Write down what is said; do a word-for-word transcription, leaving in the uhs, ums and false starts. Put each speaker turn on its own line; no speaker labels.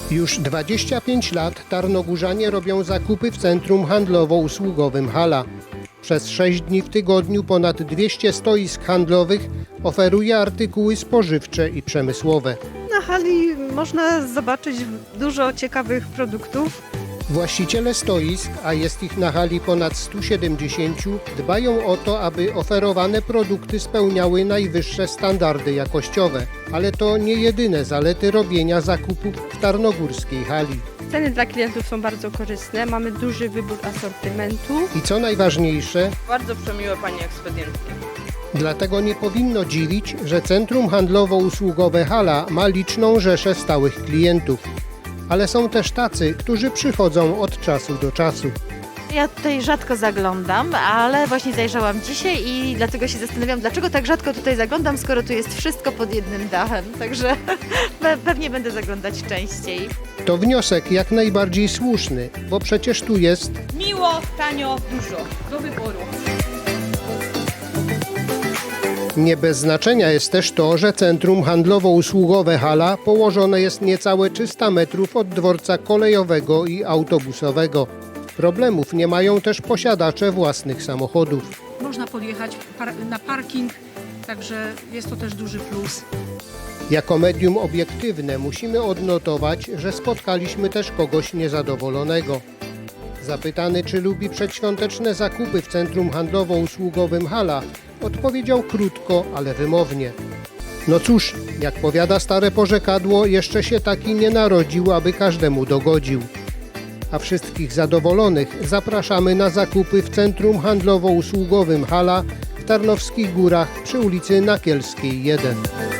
Już dwadzieścia pięć lat tarnogórzanie robią zakupy w centrum handlowo-usługowym Hala. Przez sześć dni w tygodniu ponad dwieście stoisk handlowych oferuje artykuły spożywcze i przemysłowe.
Na hali można zobaczyć dużo ciekawych produktów.
Właściciele stoisk, a jest ich na hali ponad sto siedemdziesiąt, dbają o to, aby oferowane produkty spełniały najwyższe standardy jakościowe. Ale to nie jedyne zalety robienia zakupów w tarnogórskiej hali.
Ceny dla klientów są bardzo korzystne, mamy duży wybór asortymentu.
I co najważniejsze,
Bardzo przemiłe pani ekspedientki.
dlatego nie powinno dziwić, że centrum handlowo-usługowe Hala ma liczną rzeszę stałych klientów. Ale są też tacy, którzy przychodzą od czasu do czasu.
Ja tutaj rzadko zaglądam, ale właśnie zajrzałam dzisiaj i dlatego się zastanawiam, dlaczego tak rzadko tutaj zaglądam, skoro tu jest wszystko pod jednym dachem. Także pe- pewnie będę zaglądać częściej.
To wniosek jak najbardziej słuszny, bo przecież tu jest
Miło, tanio, dużo. Do wyboru.
nie bez znaczenia jest też to, że centrum handlowo-usługowe Hala położone jest niecałe trzysta metrów od dworca kolejowego i autobusowego. Problemów nie mają też posiadacze własnych samochodów.
Można podjechać par- na parking, także jest to też duży plus.
Jako medium obiektywne musimy odnotować, że spotkaliśmy też kogoś niezadowolonego. Zapytany, czy lubi przedświąteczne zakupy w centrum handlowo-usługowym Hala, odpowiedział krótko, ale wymownie. No cóż, jak powiada stare porzekadło, jeszcze się taki nie narodził, aby każdemu dogodził. A wszystkich zadowolonych zapraszamy na zakupy w centrum handlowo-usługowym Hala w Tarnowskich Górach przy ulicy Nakielskiej jeden.